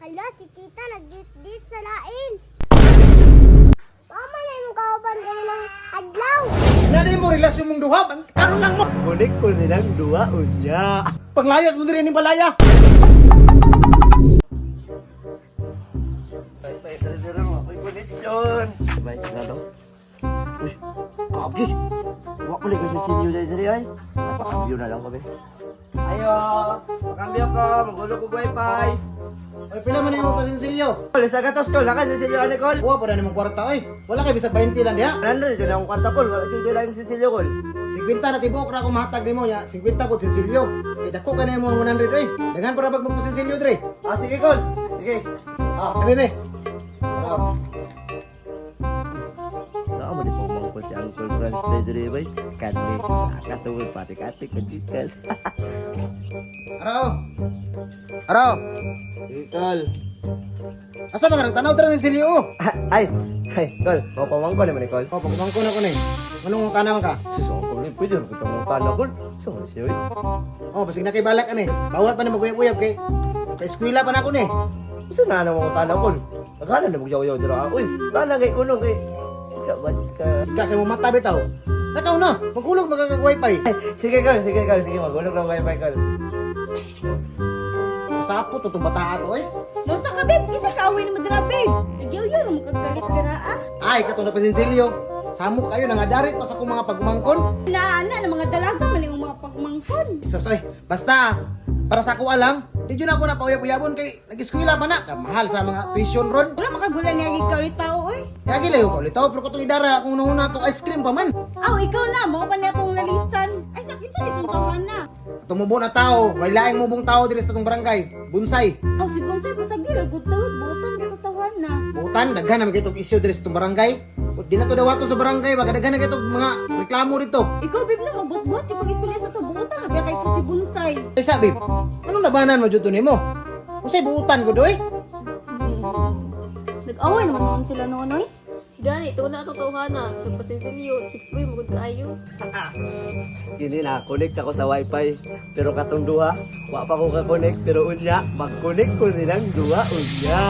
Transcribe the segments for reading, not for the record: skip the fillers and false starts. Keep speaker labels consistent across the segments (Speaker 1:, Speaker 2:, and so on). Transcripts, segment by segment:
Speaker 1: Hala, si tita nag-dit-dit sa lain. Mama na yung kauban kami ng adlaw.
Speaker 2: Nanay mo relasyon mong duha, karon lang mo.
Speaker 3: Kunik ko nilang dua unya.
Speaker 2: Panglayas mo din yung balaya.
Speaker 3: Bye, dara mo. Ako'y koneksyon. Bye, dara. Uy, kapi. Wak ko lang kasi sinyo dari ay. Napakambyo na lang kami. Ayo, makambyo ko. Magulog ko wifi.
Speaker 2: Ay, pila man yung pasinsilyo.
Speaker 3: Kol, sa gatos ko. Lakan sa sinyo, Nicole.
Speaker 2: Buwa pa na namang kwarta, oy. Wala kay bisag 20 lang diha.
Speaker 3: Nandun, dito na akong kanta, Kol. Wala dito lang sa sinyo, Kol.
Speaker 2: 50 na tibok ra ko mahatag nimo ya. 50 po sinsilyo. Kay dako ka na mo 100 oy. Daghan para bag magpasinsilyo dre.
Speaker 3: Ah, sige, Kol. Sige.
Speaker 2: Bebe.
Speaker 3: Saan mo di po mangkot si Uncle Franz na diri, bay? Kani, nakatungol pati-kati ko dikal.
Speaker 2: Araw. Araw.
Speaker 3: Kol.
Speaker 2: Asa ba nga tanaw tra sinsilyo oh?
Speaker 3: Ay, Kol. Mau pamangko naman ni Kol.
Speaker 2: Oh, pagmangko na ko ni. Anong kana man ka?
Speaker 3: Susong ko ni, pwede rin kita mga tanong, Kol. Susong siya, eh.
Speaker 2: Oh, basig na kay balak ani. Bawal pa na maguyab-uyab kay eskwela pa na ko ni.
Speaker 3: Gusto na mga tanong, Kol. Akala na magyaw-yaw dira. Uy, tanong kay kunong kay. Ika ba ka?
Speaker 2: Ika sa mo mata bitaw. Nakaw na, magkulog magkaka-wifi.
Speaker 3: Sige, Kol. Sige, Kol. Sige, magulog ng wifi, Kol.
Speaker 2: Masapot to bata ato eh.
Speaker 4: Doon sa kabib, isa ka awin mo dira, babe. Nagyaw-yaw, makagalit dira, ah.
Speaker 2: Ay, kato na pasinsilyo. Samok kayo nangadarit pa sa akong mga pagmangkon.
Speaker 4: Inaana ng mga dalaga, mali ang mga pagmangkon.
Speaker 2: Say, basta para sa ako alam, di yun ako napauyab-uyabon kay nag-eskwela pa na. Kamahal sa mga tuition ron.
Speaker 4: Wala makagulan niya ikaw ni tao, oy.
Speaker 2: Yagi layo ko litaw, pero katong idara kung nahuna to ice cream pa man.
Speaker 4: Aw, ikaw na, mo pa niya akong lalisan. Ay, sakit sa itong tawahan na.
Speaker 2: Tumubo na tao, may laing mubong tao diri sa itong barangay. Bunsay.
Speaker 4: Aw, si Bonsai, pasagir, gutawid, butan, katutawan na.
Speaker 2: Butan, daghan na magitong issue diri sa itong barangay. Di na to dawato sa barangay, baka daghan na kitong mga reklamo dito.
Speaker 4: Ikaw, babe, na mabot-bot, ikaw istorya sa to, butan, nabiya kay to si Bonsai.
Speaker 2: Ay sabi, anong labanan mo dito nimo? Usay buutan ko doy.
Speaker 5: Nag-away naman naman sila noon, oy.
Speaker 6: Gani, ito na totohanan. Nagpasinsilyo, chicks boy, magod kaayo.
Speaker 3: Gini na, connect ako sa wifi. Pero katong duha, wa pa ko ka-connect. Pero unya, mag-connect ko nilang duha unya.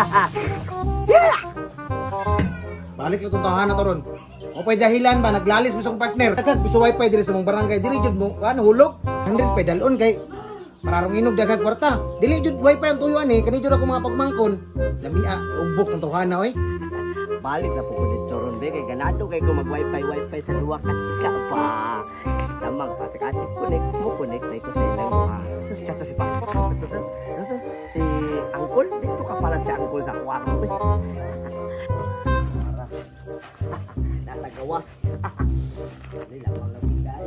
Speaker 2: Balik lang itong tahanan to ron. O pa'y dahilan ba, naglalis mo sa akong partner. Dagag, piso wifi diri sa mong barangay. Dili jud mo, ano, hulog. 100 pa'y dalon kay mararong inog dagag kwarta. Dili jud wifi ang tuyuan eh. Kani jud ako mga pagmangkon. Lamia, ubok ng tahanan oy.
Speaker 3: Balik na po ko dito ron, be. Kay ganado kay ko mag-wifi sa duha kasika pa. Lamang pati-kati, connect na ito sa ilang mga. Ito si Pa. Ito si Angkol. Dito ka pala si Angkol sa kwarto. Nasa gawas. Hindi lamang lang bigay.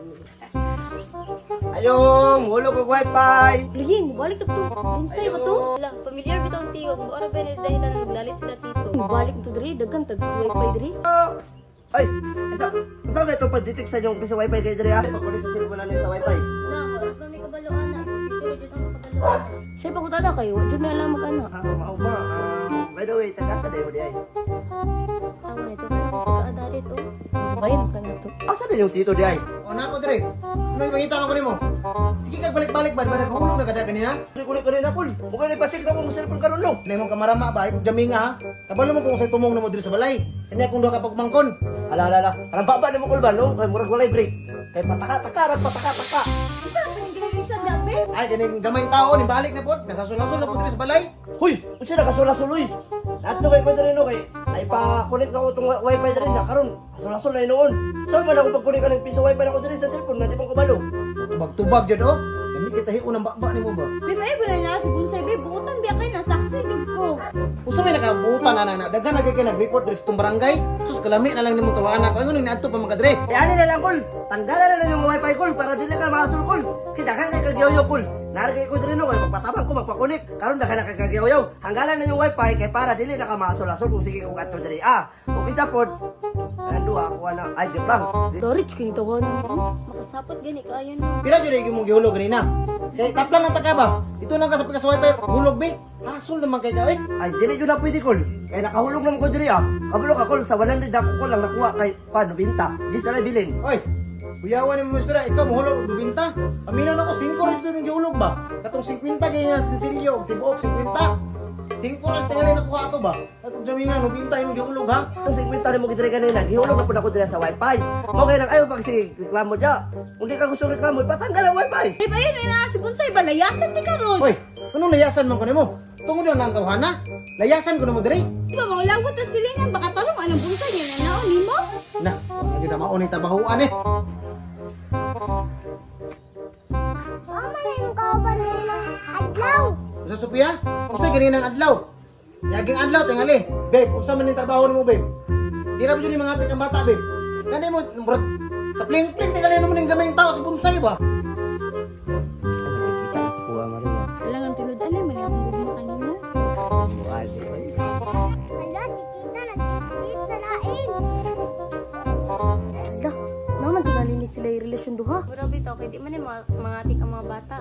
Speaker 3: Ayong, hulog ko wifi.
Speaker 5: Lihin, balik na to. Bonsai ba to?
Speaker 6: Wala, familiar bitaw ang tingog. Maura ba na dahil naglalis sila tito?
Speaker 5: Balik to diri, daghan tag wifi diri.
Speaker 3: Ay, isa na ito pa-detect sa inyong piso wifi kayo diri ha. Pag-connect sa cellphone na sa wifi.
Speaker 6: Na, wala pa may kabaloan na. Pero dito ang kabaloan na.
Speaker 5: Siya pa ko tada kayo, wa jud may alam mag-ana.
Speaker 3: Mao ba? By the way, taga sa dayo di ay.
Speaker 6: Tama nito. Pagkaadari to.
Speaker 5: Sasabayan ka na to.
Speaker 3: Asa din yung tito di ay?
Speaker 2: O na ako dire. Ano yung pangita ko nimo? Sige kag balik-balik ba? Ba naghuhulog na kada kanina?
Speaker 3: Kulit kanina pul. Mukha na pa-check ako kung cellphone karon no.
Speaker 2: Nay mong kamarama ba? Ikog jaminga ha? Kabalo mo kung say tumong na mo diri sa balay. Kani akong duha ka pagmangkon.
Speaker 3: Ala. Anong baba na mo kulban no? Kay murag walay break. Kay pataka-taka.
Speaker 4: Isa, panigililisan na, babe.
Speaker 2: Ay, kani gamay tao ni balik na pod. Nagasul-asul na pod diri sa balay.
Speaker 3: Huy, unsa na kasula-suloy? Nato kay ko diri no kay ay pa-connect ako tong wifi diri na karon. Kasula-sul na noon. So man ako pag-connect ng piso wifi ako diri sa cellphone na di pa ko balo.
Speaker 2: Tubag-tubag jud oh. Dami kita hiun ang bakba nimo ba?
Speaker 4: Babe, ay, wala na si Bonsai, babe, butan, biya kayo na, saksi, jud ko.
Speaker 2: Usa may nakabutan na daghan na kay nag-report diri sa itong barangay. Sus kalami na lang nimo tawaan ako. Ano ning naadto pa makadre?
Speaker 3: E ani na lang kol. Tanggalan na lang yung wifi kol para dili ka masul kol. Kita kan kay kagyaw kol. Narigay ko diri no kay magpatabang ko magpa-connect. Karon daghan na kay kagyaw. Hanggalan na yung wifi kay para dili na ka masul-asul kung sige ko kadto diri. Kung isa pod. Ando ako na ay di lang.
Speaker 5: Dorich kini tawanan nito.
Speaker 6: Makasapot gani kaayo na.
Speaker 2: Pila jud ay imong gihulog kanina. Kay taplan ang taka ba? Ito nang ka sa pagka wifi hulog be. Asol naman kay ka eh.
Speaker 3: Ay dili jud na pwede kol. Kay nakahulog lang ko diri Kabalo ka kol sa 100 ako ko lang nakuha kay paano binta. Gis na lang bilin.
Speaker 2: Oy, buyawan ni Mr. Ikaw mahulog og binta. Aminaw na ko 5 ra jud ning gihulog ba? Katong 50 kay na sinsilyo og tibuok 50. Singko lang tingali na kuha ato ba? At kung jamingan, nubintay mo gihulog ha?
Speaker 3: Itong segmento mo gidire kanina, gihulog na po ako dira sa wifi. Mo kay nang ayaw pag si reklamo dya. Kung di ka gusto reklamo, patanggal ang wifi.
Speaker 4: Ay ba yun, na si Bonsai ba? Layasan di ka ron.
Speaker 2: Hoy, anong layasan mo ko nimo? Tungod lang ang tawhana? Layasan ko na mo diri?
Speaker 4: Di ba mga lawat ang silingan? Baka talong anong Bonsai niya na naon ni mo?
Speaker 2: Na, hindi na mauning tabahuan eh.
Speaker 1: Mama na yung kauban din ng adlaw.
Speaker 2: Sa Sophia, usay ganinang adlaw. Yaging adlaw tingali. Babe, usa man yung trabaho nimo, babe. Di ra ba yun yung mga ating ang bata, babe? Nanay mo, murag, kapling-pling tingali naman yung gamay ng tao sa bonsai ba?
Speaker 3: Nakikita na ko ang Maria.
Speaker 4: Kailangan tinudan na, mali akong gugma kanina.
Speaker 3: Buhay ko.
Speaker 1: Hala, si tita nagdidit sa lain.
Speaker 5: Hala, naman tingali ni sila yung relasyon duha. Grabe to, kaya di man yung mga atik ang mga bata.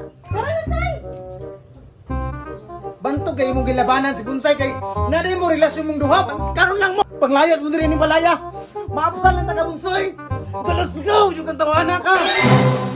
Speaker 2: Bantog kay imong gilabanan si bonsai kay naday mo relasyon mong duha. Karon lang mo. Panglayas mo diri ni balaya. Maapsal lang taga bonsai. Let's go, yung kantawana ka.